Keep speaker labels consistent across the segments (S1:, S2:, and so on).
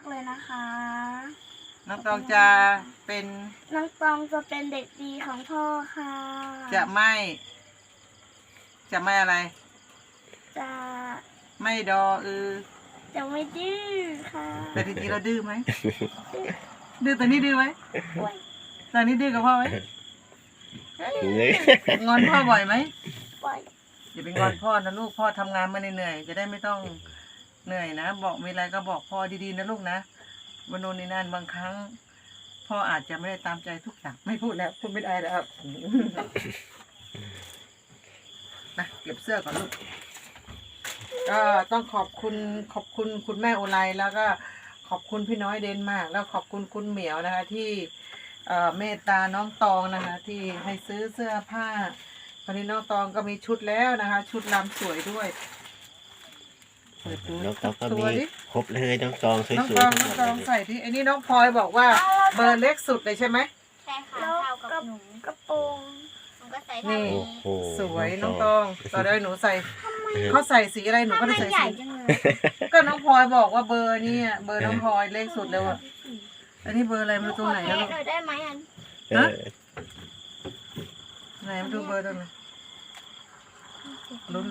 S1: เลยนะคะ
S2: น้องตองจะเป็น
S1: น้องตองจะเป็นเด็กดีของพ่อค่ะ
S2: จะไม่อะไร
S1: จะ
S2: ไม่ดอ
S1: จะไม่ดื้อค่ะ
S2: แต่จริงๆเราดื้อไหมดื้อตอนนี้ดื้อไหมตอนนี้ดื้อกับพ่อไหมงอนพ่อบ่อยไหม
S1: บ่อย
S2: อย่าไปงอนพ่อนะลูกพ่อทำงานมาเหนื่อยจะได้ไม่ต้องเหนื่อยนะบอกมีอะไรก็บอกพ่อดีๆนะลูกนะวันโน้นนี่นั่นบางครั้งพ่ออาจจะไม่ได้ตามใจทุกอย่างไม่พูดแล้วพูดไม่ได้แล้วนะเก็บเสื้อก่อนลูกก็ต้องขอบคุณคุณแม่โอไลแล้วก็ขอบคุณพี่น้อยเดนมาร์กแล้วขอบคุณคุณเหมียวนะคะที่เมตตาน้องตองนะคะที่ให้ซื้อเสื้อผ้าตอนนี้น้องตองก็มีชุดแล้วนะคะชุดลำสวยด้วยเปิดดู
S3: น้องตองก็มีครบเลยน้องตองสวยๆ
S2: น้องตองใส่ที่ไอ้นี่น้องพลอยบอกว่าเบอร์เล็กสุดเลยใช่ไหม
S4: ใช่ค่ะเท่ากับหนู
S1: กระโปรง
S4: มันก็ใส่เท่านี้
S2: สวยน้องตองต่อได้หนูใส่เขาใส่สีอะไรหนูก็ได้ใส่สีก็น้องพลอยบอกว่าเบอร์นี่เบอร์น้องพลอยเล็กสุดเลยว่ะอันนี้เบอร์อะไรมาตรงไหนนะลูก
S4: ได้ไหมอัน
S2: ไหนมาดูเบอร์ตรงไหนลุ้น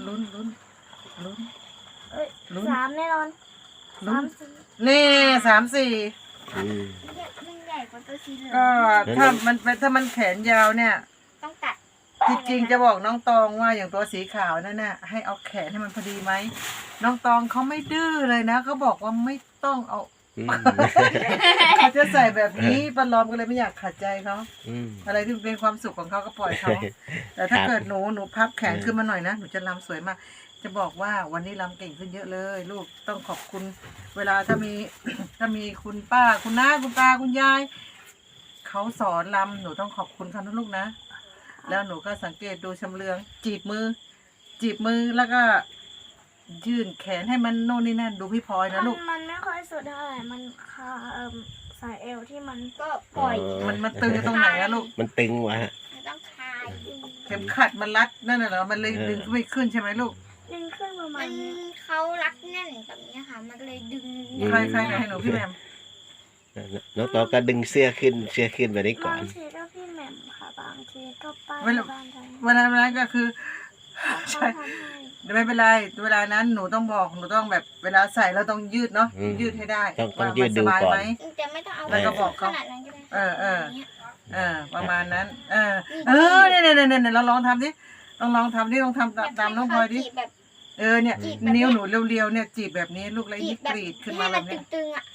S1: 3แน่นอน
S2: นี่34
S4: มันใหญ่กว่าตัวสีเหลือง
S2: ก็ถ้ามันแขนยาวเนี่ย
S4: ต้องตัด
S2: จริงๆจะบอกน้องตองว่าอย่างตัวสีขาวนั่นน่ะให้เอาแขนให้มันพอดีไหมน้องตองเขาไม่ดื้อเลยนะเขาบอกว่าไม่ต้องเอาเขาจะใส่แบบนี้ปลอมก็เลยไม่อยากขัดใจเขาอะไรที่เป็นความสุขของเขาก็ปล่อยเขาแต่ถ้าเกิดหนูพับแขนขึ้นมาหน่อยนะหนูจะรำสวยมากจะบอกว่าวันนี้รำเก่งขึ้นเยอะเลยลูกต้องขอบคุณเวลาถ้ามีคุณป้าคุณน้าคุณตาคุณยายเขาสอนรำหนูต้องขอบคุณเขานะลูกนะแล้วหนูก็สังเกตดูชำเลืองจีบมือแล้วก็ยื่นแขนให้มันโน่นนี่นั่นดูพี่พลอยนะลูก
S1: มันไม่ค่อยสุดเท่าไหร่มันสายเอวที่มันก็ปล่อย
S2: มันตึงตรงไหนอะลูก
S3: มันตึงวะ
S4: ต้องคลาย
S2: เข็มขัดมันรัดนั่นน่ะเหรอมันเลยดึงไม่ขึ้นใช่ไหมลูก
S1: ดึงขึ้นประมาณ
S4: เขารัดแน่นแบบนี้ค่ะมันเลยดึง
S2: ใครให้หนูพี่แหม่ม
S3: น้องตองก็ดึงเสื้อขึ้นไปได้ก่อน
S1: บางทีก็พี่แหม่มค่ะบางทีก็ป้าบ้านไทย
S2: เวลาก็คือใช่ไม่เป็นไรเวลานั้นหนูต้องบอกหนูต้องแบบเวลาใส่เราต้องยืดเนาะยืดให้ได้
S3: ต้องยืดดูก่อน
S4: จะไม่ต้องเอา
S2: แล้วก็บอกเขาประมาณนั้นเนี่ยเราลองทำดิลองทำตามน้องพลอยดิเนี่ยนิ้วหนูเรียวๆเนี่ยจีบแบบนี้ลูกแล้วนี่กรีดขึ้นมาแบบนี้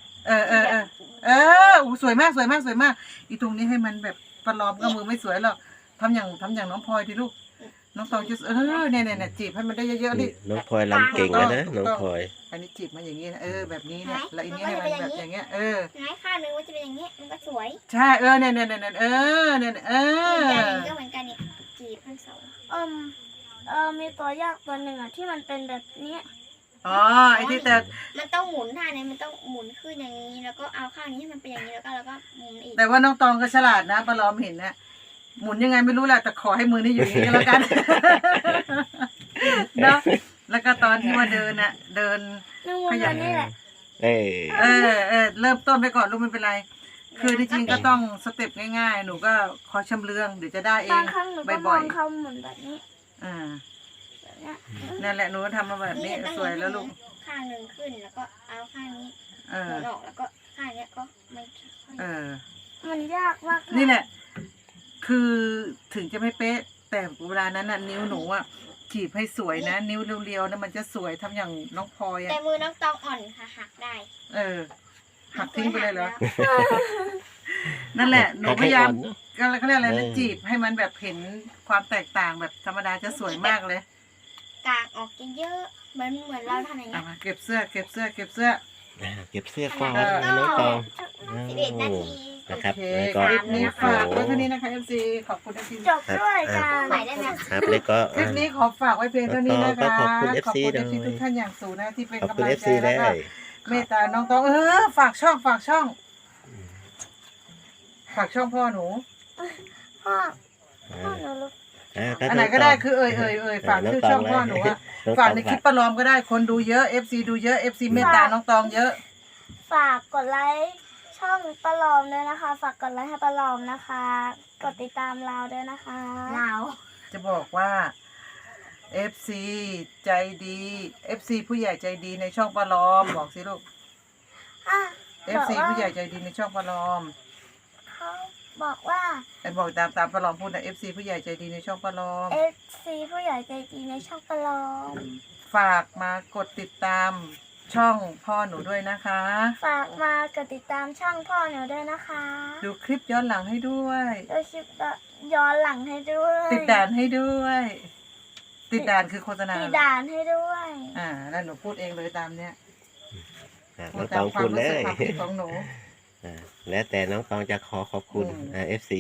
S2: สวยมากอีตรงนี้ให้มันแบบประลอมก็มือไม่สวยหรอกทำอย่างน้องพลอยดิลูกน้องตองจะเนี่ยจีบให้มันได้เยอะๆดิ
S3: น้องพลอยรำเก่งนะน้องพลอย
S2: อันนี้จีบมาอย่างนี้นะแบบนี้เนี่ยแล้วอันนี้ให้มันแบบอย่างเงี้ย
S4: ไหนข้างนึงว่าจะเป็นอย่างนี้มันก็สวย
S2: ใช่เนี่ย
S4: ก็เหมือนกันเนี่ยจีบทั้งสอง
S1: มีตัวยากตัวหนึ่งอ่ะที่มันเป็นแบบนี้
S2: ไอ้ที่แต่
S4: มันต้องหมุนท่านี้มันต้องหมุนขึ้นอย่างนี้แล้วก็เอาข้างนี้ให้มันเป็นอย่างนี้แล้วก็หมุนอีก
S2: แต่ว่าน้องตองก็ฉลาดนะประลอมเห็นนะหมุนยังไงไม่รู้แหละแต่ขอให้มือนี่อยู่อย่างนี้แล้วกันเนาะแล้วก็ตอนที่ว่าเดิน
S1: ขยันนี่แหละ
S2: เริ่มต้นไปก่อนลูกไม่เป็นไรคือจริงๆก็ต้องสเต็ปง่ายๆหนูก็คอยชำเลืองเดี๋ยวจะได้เอง
S1: บ่อยๆเขาหมุนแบบนี้
S2: นั่นแหละหนูทำมาแบบนี้สวยแล้วลูก
S4: ข้างหนึ่งขึ้นแล้วก็เอาข้างนี้หมุนออกแล้วก็ข้างนี้ก็
S1: มันยากมาก
S2: นี่แหละคือถึงจะไม่เป๊ะแต่เวลานั้นน่ะนิ้วหนูอ่ะจีบให้สวยนะนิ้วเรียวๆนะมันจะสวยทำอย่างน้องพลอย
S4: แต่มือน้องตองอ่อนค่ะหักได้
S2: หักทิ้งไปเลยเหรอนั่นแหละหนูพยายามเขาเรียกอะไรนะจีบให้มันแบบเห็นความแตกต่างแบบธรรมดาจะสวยมากเลย
S4: กางออกเยอะเหมือนเราทำอย่างเงี้ย
S2: เก็บเสื้อก่อน
S3: น้องตอง
S4: 11 นาที
S3: นะครับ
S2: ก็คลิปนี้ฝากไว้เท่านี้นะคะ FC ขอบคุณ FC
S1: จบด้วยกัน
S4: ไหนได้ไหม
S3: ครับแล้วก็
S2: คลิปนี้ขอฝากไว้เพียงเท่านี้นะคะ
S3: ขอบคุณ
S2: FC ทุกท่านอย่างสูงนะที่เป็นกำลังใจ
S3: แล้วก็
S2: เมตตาน้องตองฝากช่องพ่อหนู
S1: พ่อหนู
S2: อันไหนก็ได้คือฝากชื่อช่องพ่อหนูฝากในคลิปประลอมก็ได้คนดูเยอะ FC ดูเยอะ FC เมตตาน้องตองเยอะ
S1: ฝากกดไลค์ช่องปลาลอมด้วยนะคะ ฝากกดไลค์ให้ปลาลอมนะคะ กดติดตามเราด้วยนะคะ
S4: เรา
S2: จะบอกว่า FC ใจดี FC ผู้ใหญ่ใจดีในช่องปลาลอมบอกสิลูก
S1: อ่ะ
S2: FC ผู้ใหญ่ใจดีในช่องปลาลอม
S1: เขาบอกว่า
S2: ไอ้บอกตามปลาลอมพูดนะ FC ผู้ใหญ่ใจดีในช่องปลาลอม
S1: FC ผู้ใหญ่ใจดีในช่องปลาลอม
S2: ฝากมากดติดตามช่องพ่อหนูด้วยนะคะ
S1: ฝากมากดติดตามช่องพ่อหนูด้วยนะคะ
S2: ดูคลิปย้อนหลังให้ด้วย
S1: ดูคลิปย้อนหลังให้ด้วย
S2: ติดด่านให้ด้วย ติดด่านคือโฆษณา
S1: ติดด่านให้ด้วย
S2: แล้วหนูพูดเองเลยตามเนี้ย
S3: น้องตองพูดเลย
S2: ความรู้สึกของหนู
S3: แล้วแต่น้องตองจะขอขอบคุณ FC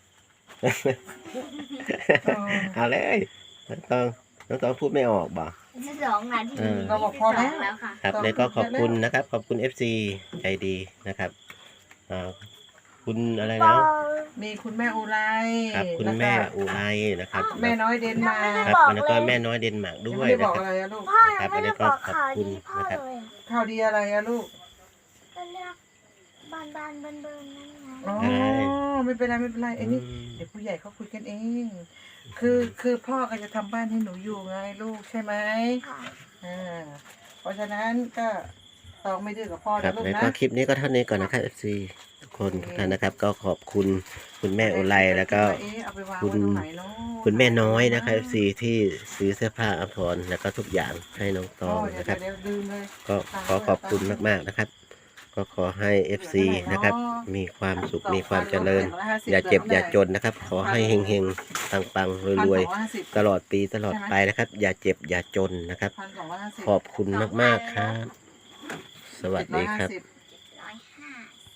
S3: เอาเลยน้องตองพูดไม่ออกบ่
S4: 2 นาที
S2: เราบอกพอแล้ว
S4: แล้วค่ะ
S3: ครับแล้วก็ขอบคุณนะครับ ขอบคุณ FC ใจดีนะครับคุณอะไร
S1: บอ
S3: นะ
S1: ล
S2: มีคุณแม่อุไร
S3: ครับคุณแม่อุไรนะครับ
S2: แม่น้อยเดนมา
S1: ไม่
S2: ร์
S1: ได้
S3: ครับ
S1: บอก
S3: แล้วก็
S1: เลย
S3: แม่น้อยเดนมาร์ก
S2: ยัง
S3: ด้วย
S2: ไม่ได้บ
S3: นะ
S2: อก
S3: ครับ
S2: อะไรอะลูก
S1: พ่อยังไม่ได้บอกข่าวดีพ่อ
S3: นะครับ
S1: เลยอะ
S2: ข่าวดีอะไรอะลูก
S1: ก็เลือกบานเบิ่นนั่นไง
S2: อ๋อไม่เป็นไรไม่เป็นไรไอ้นี่เดี๋ยวผู้ใหญ่เขาคุยกันเอง คือพ่อก็จะทำบ้านให้หนูอยู่ไงลูกใช่ไหม
S1: ค่ะ
S2: เพราะฉะนั้นก็ต้องไม่ดื้อกับพ่อ
S3: ครั
S2: นะ
S3: บ
S2: ลูก
S3: แล้ว
S2: นะ
S3: ก็คลิปนี้ก็เท่านี้ก่อนนะครับ FC ทุกคนทุกท่านนะครับ ก็ขอบคุณคุณแม่อุไรแล้วก็
S2: เอาไปวาง
S3: คุณ
S2: ไว้ตรงไหนเนาะ
S3: คุณแม่น้อยนะครับ FC ที่ซื้อเสื้อผ้าอภรณ์แล้วก็ทุกอย่างให้น้องตอง
S2: เดี๋ยว
S3: นะครับ
S2: เดี๋ยวลืมเลย
S3: ก็ขอขอบคุณมากๆนะครับ ก็ขอให้ FC นะครับ มีความสุขมีความเจริญ อย่าเจ็บอย่าจนนะครับ ขอให้เฮงๆปังๆรวยๆตลอดปีตลอดไปนะครับ อย่าเจ็บอย่าจนนะครับ
S2: 1,250
S3: ขอบคุณมากๆครับ สวัสดีครับ
S2: 750